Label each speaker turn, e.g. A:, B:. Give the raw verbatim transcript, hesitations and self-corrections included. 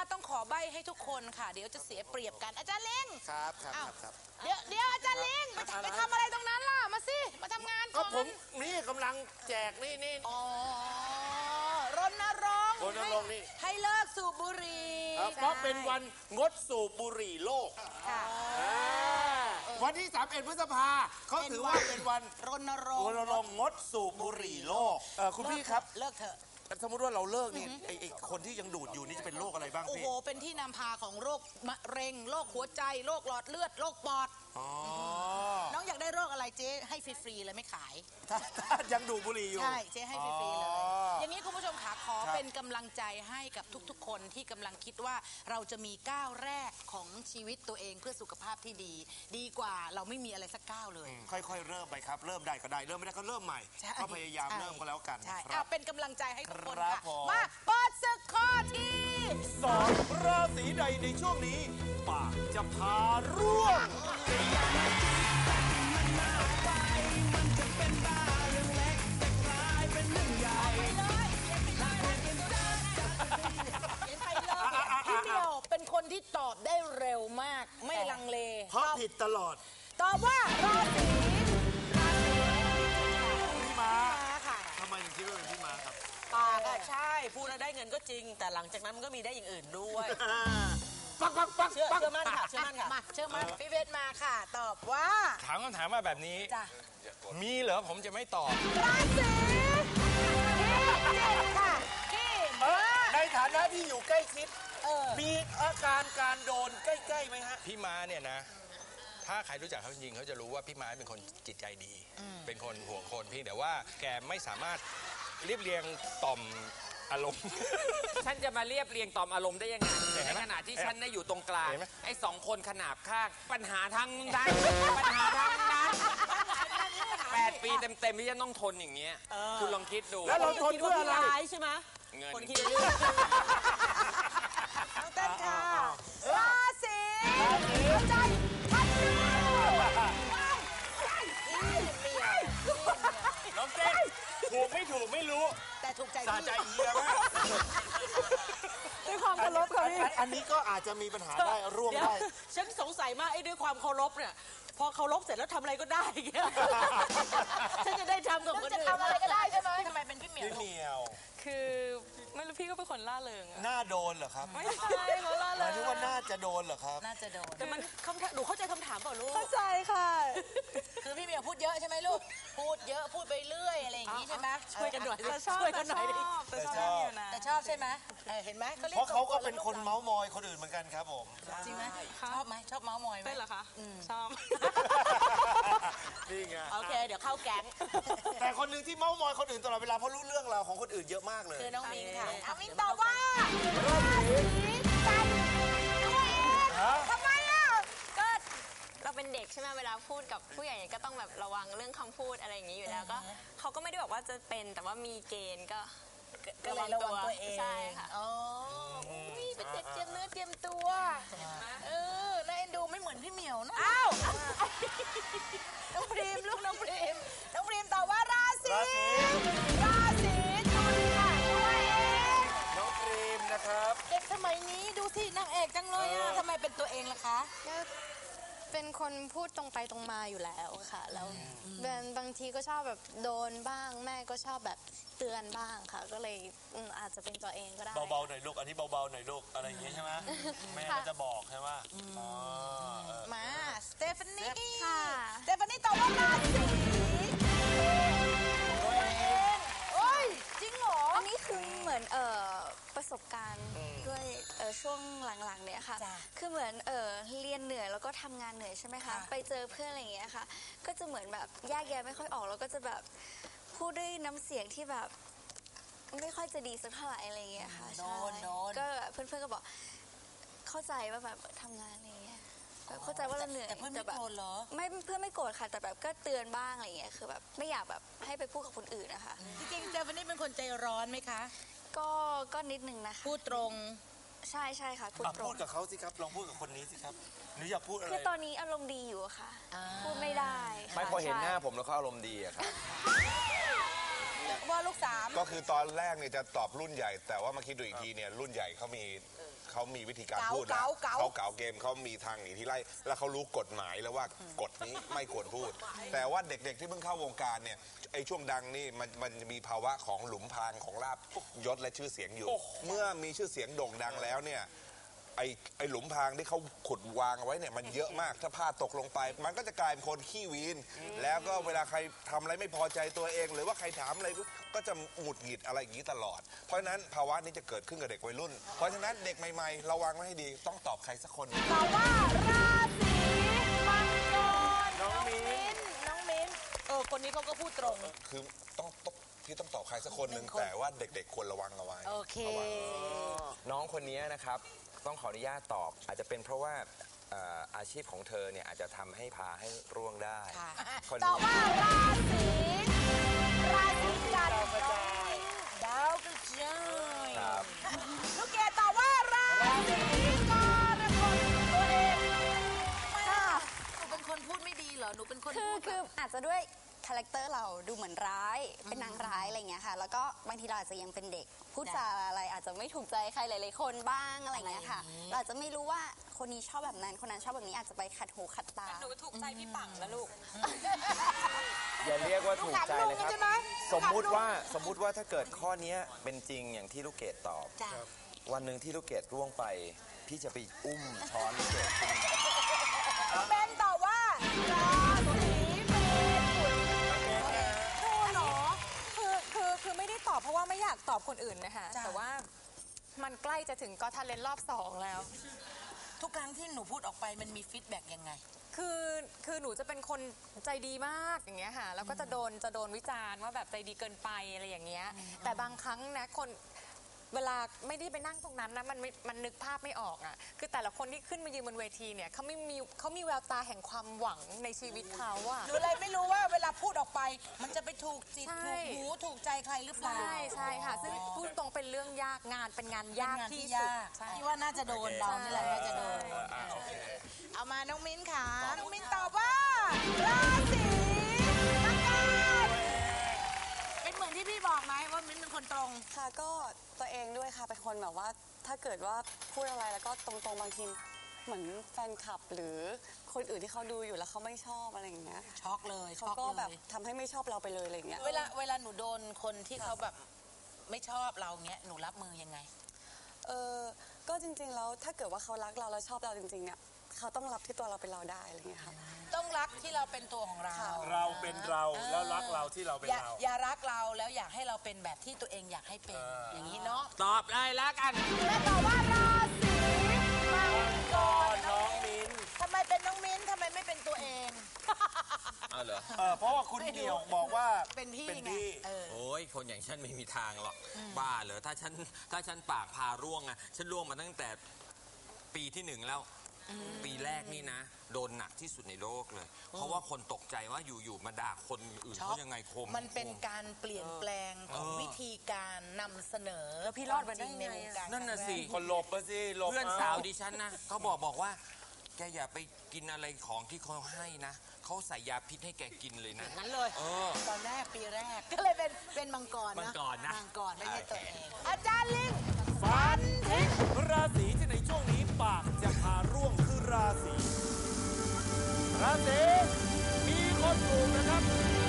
A: ต้องขอใบ้ให้ทุกคนค่ะเดี๋ยวจะเสียเปรียบกันอาจารย์ลิง
B: ครับครับครับ
A: เดี๋ยวเดี๋ยวอาจารย์ลิงไปไปทำอะไรตรงนั้นล่ะมาสิมาทำงานก่อน
B: ก็ผมนี่กำลังแจกนี่นี่
A: อ๋อรณรงค์
B: รณรงค์นี่
A: ให้เลิกสูบบุหรี่
B: เพราะเป็นวันงดสูบบุหรี่โลกวันที่สามสิบเอ็ดพฤษภาเขาถือว่าเป็นวัน
A: รณรงค์
B: รณรงค์งดสูบบุหรี่โลกคุณพี่ครับ
A: เลิกเถอะ
B: สมมติว่าเราเลิกนี่ไอ้คนที่ยังดูดอยู่นี่จะเป็นโรคอะไรบ้างพี่
A: โอ้โหเป็นที่นำพาของโรคมะเร็งโรคหัวใจโรคหลอดเลือดโรคปอดน้องอยากได้โรคอะไรเจ๊ให้ฟรีๆเลยไม่ขาย
B: ถ้ายังดูดบุหรี่อยู่
A: ใช่เจ๊ให้ฟรีๆเลยอย่างนี้คุณผู้ชมขาขอเป็นกำลังใจให้กับทุกๆคนที่กำลังคิดว่าเราจะมีก้าวแรกของชีวิตตัวเองเพื่อสุขภาพที่ดีดีกว่าเราไม่มีอะไรสักก้าวเลย
B: ค่อยๆเริ่มไปครับเริ่มได้ก็ได้เริ่มไม่ได้ก็เริ่มใหม่ก็พยายามเริ่มก็แล้วกัน
A: ใช่เป็นกำลังใจให้ทุกคนค่ะ
B: มา
A: เปิดศึกข้อที่
B: สองราศีใดในช่วงนี้ปากจะพาร่วง
A: พี่เดียวเป็นคนที่ตอบได้เร็วมากไม่ลังเล
B: เพราะผิดตลอด
A: ตอบว่าราศี
B: พี่ม้าค่ะทำไมถึงคิดว่าเป็นพี่ม้าครับ
C: ปากอะใช่พูดแล้วได้เงินก็จริงแต่หลังจากนั้นมันก็มีได้อย่างอื่นด้วย
B: ปักปักปัก
C: เชื่อเชื่อมั่นค่ะเชื่อมั่นค่ะ
A: มาเชื่อมั่นพี่เวทมาค่ะตอบว่า
D: ถามคำถามมาแบบนี้มีเหรอผมจะไม่ตอบ
A: ราศีพิจิกค่ะพี่
B: ในฐานะที่อยู่ใกล้ชิดมีอาการการโดนใกล้ๆไหมฮะ
D: พี่ม้าเนี่ยนะถ้าใครรู้จักเขาจริงเขาจะรู้ว่าพี่ม้าเป็นคนจิตใจดีเป็นคนห่วงคนพี่แต่ว่าแกไม่สามารถเรียบเรียงต่อมอารมณ์
E: ฉันจะมาเรียบเรียงต่อมอารมณ์ได้ยังไงในขณะที่ฉันได้อยู่ตรงกลางไอ้สองคนขนาบข้างปัญหาทั้งนั้นปัญหาทั้งนั้นแปดปีเต็มๆที่ฉันต้องทนอย่างเงี้ยคุณลองคิดดู
B: แล้วเราทนเพื่ออะไร
C: ใช่ไหม
E: เงิน
C: คนคิด
A: น้องเต้นค่ะราศีใจพันธุ์
B: น้องเต้นถูกไม่ถูกไม่รู้
A: แต่ถูกใจ
B: สาใจเฮียมาก
C: ด้วยความเคารพค่ะพี่
B: อันนี้ก็อาจจะมีปัญหาได้ร่วงได้
C: ฉันสงสัยมากไอ้ด้วยความเคารพเนี่ยพอเคารพเสร็จแล้วทำอะไรก็ได้เงี้ยฉันจะได้ทำกับคนอื่น
A: จะทำอะไรก็ได้ใช่ไหมทำไมเป็นพี่เหมียว
B: พี่เหมียว
F: คือไม่รู้พี่ก็เป็นคนล่าเริง
B: หน้าโดนเหรอครับ
F: ไม่ใช่เขาล่าเริง
B: หมายถึงว่าน่าจะโดนเหรอครับ
A: น่าจะโดน
C: แต่มันคำถามหนูเข้าใจคำถามเปล่าลูก
F: เข้าใจค่ะ
A: คือพี่เหมียวพูดเยอะใช่ไหมลูกพูดเยอะพูดไปเรื่อยอะไรอย่างนี้ใช่ไหม
C: ช่วยกันหน่อย
F: ช่วยกันหน่อยดิ
A: แต่ชอบแต่ชอบใช่ไหมเห็นไหม
B: เพราะเขาก็เป็นคนเมาส์มอยคนอื่นเหมือนกันครับผม
A: จริงไหมชอบไหมชอบเมาส์มอยไหม
F: เป็นเหรอคะชอบ
B: นี่ไง
C: โอเคเดี๋ยวเข้าแก๊ง
B: แต่คนหนึ่งที่เมาส์มอยคนอื่นตลอดเวลาเพราะรู้เรื่องราวของคนอื่นเยอะมากเลย
A: คือน้องมิ้งค่ะน้องมิ้งตอบว่าราศีกันตัวเองทำไมอ่ะ
F: ก็เราเป็นเด็กใช่ไหมเวลาพูดกับผู้ใหญ่ก็ต้องแบบระวังเรื่องคำพูดอะไรอย่างนี้อยู่แล้วก็เขาก็ไม่ได้บอกว่าจะเป็นแต่ว่ามีเกณฑ์ก็
A: ก็เลยระวังตัวเอง
F: ใช่ค่ะ
A: อ๋อเป็นเด็กเตรียมเนื้อเตรียมตัวเออน่าเอ็นดูไม่เหมือนพี่เหมียวนะอ้าวน้องพรีมลูกน้องพรีมน้องพรีมตอบว่าราศีราศีตุลค่ะตัวเอง
B: น้องพรีมนะครับ
A: เด็กสมัยนี้ดูสินางเอกจังเลยอ่ะทำไมเป็นตัวเองล่ะคะ
F: เป็นคนพูดตรงไปตรงมาอยู่แล้วค่ะแล้วบางทีก็ชอบแบบโดนบ้างแม่ก็ชอบแบบเตือนบ้างค่ะก็เลยอาจจะเป็นตัวเองก็ได้
B: เบาๆหน่อยลูกอันนี้เบาๆหน่อยลูกอะไรอย่างเงี้ยใช่ไหมแม่ก็จะบอกใช่ไหม
A: มาสเตฟานีค่ะสเตฟานีตอบว่าราศีตัวเองโอ้ยจริงเหรอ
F: อันนี้คือเหมือนเอ่อประสบการณ์ด้วยช่วงหลังๆเนี่ยค่ะคือเหมือนเออเรียนเหนื่อยแล้วก็ทำงานเหนื่อยใช่ไหมคะไปเจอเพื่อนอะไรอย่างเงี้ยค่ะก็จะเหมือนแบบแยกแยะไม่ค่อยออกแล้วก็จะแบบพูดด้วยน้ำเสียงที่แบบไม่ค่อยจะดีสักเท่าไหร่อะไรอย่างเงี้ยค่ะใช่ก็เพื่อนๆก็บอกเข้าใจว่าแบบทำงานอะไรอย่างเงี้ยเข้าใจว่าเราเหนื่อย
A: แต่เพื่อนไม่โกรธเหรอ
F: ไม่เพื่อนไม่โกรธค่ะแต่แบบก็เตือนบ้างอะไรอย่างเงี้ยคือแบบไม่อยากแบบให้ไปพูดกับคนอื่นนะคะ
A: จริงๆเจวันนี้เป็นคนใจร้อนไหมคะ
F: ก็ก็นิดนึงนะคะ
A: พูดตรง
F: ใช่ใช่ค่ะพูดตรง
B: พูดกับเขาสิครับลองพูดกับคนนี้สิครับหรืออยากพูดอะไร
F: คือตอนนี้อารมณ์ดีอยู่ค่ะพูดไม่ได้
D: ไม่พอเห็นหน้าผมแล้วเขาอารมณ์ดีอะครับ
A: ว่าลูกสาม
D: ก็คือตอนแรกเนี่ยจะตอบรุ่นใหญ่แต่ว่ามาคิดดูอีกทีเนี่ยรุ่นใหญ่เขามี
G: เขามีวิธีการ
A: เก๋า
G: พูดแล้ว
A: เก๋าเก๋า
G: เขาเก๋าเกมเขามีทางหนีที่ไล่แล้วเขารู้กฎหมายแล้วว่ากฎนี้ไม่ควรพูด แต่ว่าเด็กๆที่เพิ่งเข้าวงการเนี่ยไอ้ช่วงดังนี่มันมันจะมีภาวะของหลุมพรางของลาบยศและชื่อเสียงอยู่ เมื่อมีชื่อเสียงโด่งดังแล้วเนี่ยไอ้ไอ้หลุมพรางที่เขาขุดวางเอาไว้เนี่ยมันเยอะมากถ้าพลาดตกลงไป มันก็จะกลายเป็นคนขี้วีนแล้วก็เวลาใครทำอะไรไม่พอใจตัวเอง หรือว่าใครถามอะไรก็จะหงุดหงิดอะไรอย่างนี้ตลอด เพราะฉะนั้นภาวะนี้จะเกิดขึ้นกับเด็กวัยรุ่น เพราะฉะนั้นเด็กใหม่ๆระวังไว้ให้ดีต้องตอบใครสักคน
A: ตอบว่าราศีมังกรน้องมิ้นน้องมิ้น
C: เออคนนี้เขาก็พูดตรง
G: คือต้องต้องพี่ต้องตอบใครสักคนหนึ่งแต่ว่าเด็กๆควรระวังเอาไว้
A: โอเค
H: น้องคนนี้นะครับต้องขออนุญาตตอบ อาจจะเป็นเพราะว่าเอ่ออาชีพของเธอเนี่ยอาจจะทำให้พาให้ร่วงได้
A: ค่ะ
H: คน
A: ตอ
H: นี้
A: บว่าราศีราศีกันน้องมิ้นดาวกระจาย
H: ครับ
A: ลูกเกดตอบว่าราศีกรกฎตัวเองค่ะหนูเป็นคนพูดไม่ดีเหรอหนูเป็นคน
F: คือ
A: พูด
F: คืออาจจะด้วยคาแรคเตอร์เราดูเหมือนร้าย เป็นนางร้ายอะไรเงี้ยค่ะ แล้วก็บางทีเราอาจจะยังเป็นเด็ก พูดจาอะไรอาจจะไม่ถูกใจใครหลายๆคนบ้างอะไรเงี้ยค่ะ เราอาจจะไม่รู้ว่าคนนี้ชอบแบบนั้น คนนั้นชอบแบบนี้อาจจะไปขัดหูขัดตา
C: หนูถูกใจพี่ปังแล้วลูก
H: อย่าเรียกว่าถูกใจเลยครับ
A: ใช่ไหม
H: สมมุติว่าสมมุติว่าถ้าเกิดข้อนี้เป็นจริงอย่างที่ลูกเกดตอบ
A: จ้ะ
H: วันหนึ่งที่ลูกเกดร่วงไป พี่จะไปอุ้มช้อนลูกเกดขึ้นมา
A: เป็นตอบว่าราศีเมถุน
I: คือเหรอคือคือคือไม่ได้ตอบเพราะว่าไม่อยากตอบคนอื่นนะคะ
A: จ้ะ
I: แต่ว่ามันใกล้จะถึงก็ทันเลนรอบสองแล้ว
A: ทุกครั้งที่หนูพูดออกไปมันมีฟีดแบ็กยังไง
I: คือคือหนูจะเป็นคนใจดีมากอย่างเงี้ยค่ะแล้วก็จะโดนจะโดนวิจารณ์ว่าแบบใจดีเกินไปอะไรอย่างเงี้ยแต่บางครั้งนะคนเวลาไม่ได้ไปนั่งตรงนั้นนะมันไม่มันนึกภาพไม่ออกอ่ะคือแต่ละคนที่ขึ้นมายืนบนเวทีเนี่ยเขาไม่มีเขามีแววตาแห่งความหวังในชีวิตเขาอะ
A: หรืออะไรไม่รู้ว่าเวลาพูดออกไป มันจะไปถูกจิต
I: ใช่
A: ถูกหูถูกใจใครหรือเปล่า
I: ใช่ใช่ค่ะซึ่งพูดตรงเป็นเรื่องยากงานเป็นงานยาก
A: เป็นงาน
I: ที่
A: ที่
I: สุด
A: ยาก
I: ใช่
A: ที่ว่าน่าจะโดนเรานี่แหละน่าจะโดน
G: อ่าโอเค
A: เอามาน้องมิ้นค่ะน้องมิ้นตอบว่าราศีมังกรเป็นเหมือนที่พี่บอกไหมว่ามิ้นเป็นคนตรง
J: ค่ะก็ตัวเองด้วยค่ะเป็นคนแบบว่าถ้าเกิดว่าพูดอะไรแล้วก็ตรงๆบางทีเหมือนแฟนคลับ หรือคนอื่นที่เขาดูอยู่แล้วเขาไม่ชอบอะไรอย่างเงี้ย
A: ช็อกเลย
J: เขา
A: ช็อก
J: ก็
A: เล
J: แบบ
A: ย
J: ทำให้ไม่ชอบเราไปเลยอะไรอย่างเงี้ย
A: เวลาเวลาหนูโดนคนที่เขาแบบไม่ชอบเราเงี้ยหนูรับมือยังไง
J: เออก็จริงๆแล้วถ้าเกิดว่าเขารักเราแล้วชอบเราจริงๆเนี่ยเขาต้องรับที่ตัวเราเป็นเราได้อะไรอย่างเงี้ยค่ะ
A: ต้องรักที่เราเป็นตัวของเรา
B: เราเป็นเราแล้วรักเราที่เราเป็น
A: อย่า
B: เรา
A: อย่ารักเราแล้วอยากให้เราเป็นแบบที่ตัวเองอยากให้เป็นอย่างนี้เนาะ
E: ตอบเลยแล้วกัน
A: และตอบว่าราศีมังกร
B: น้องมิ้น
A: ทำไมเป็นน้องมิ้นทำไมไม่เป็นตัวเอง
E: เอาเหรอ
B: เออเพราะว่าคุณเหนียวบอกว่า
A: เป็นพี่
B: เป็น
A: ไง
B: พี่
A: เออ
E: โอ้ยคนอย่างฉันไม่มีทางหรอก บ้าเหรอถ้าฉันถ้าฉันปากพาร่วงอะฉันร่วงมาตั้งแต่ปีที่หนึ่งแล้ว ปีแรกนี่นะ โดนหนักที่สุดในโลกเลย เพราะว่าคนตกใจว่าอยู่ๆมาด่าคนอื่น
A: ช็อก
E: เขายังไงคม
A: มันเป็นการเปลี่ยนแปลงของ
E: เออ
A: วิธีการนำเสนอ
C: แล้วพี่รอดมาได้ไงอะ
A: ควมจริในวการ
E: นั่นน่ะสิ
B: คนหลบมาสิหลบ
E: เพื่อนสาวดิฉันนะเขาบอกบอกว่า แกอย่าไปกินอะไรของที่เขาให้นะเขาใส่ยาพิษให้แกกินเลยนะ
C: งั้นเลย
E: เออ
A: ตอนแรกปีแรก ก็เลยเป็นเป็นมังกร
E: มั
A: นะ
E: งกรนะ
A: มังกรไม่ใช่ตัวเอง อาจารย์ลิง
B: ฟันทิ้งราศีที่ในช่วงนี้ปากจะพาร่วงคือราศีราศีมีคนถูกนะครับ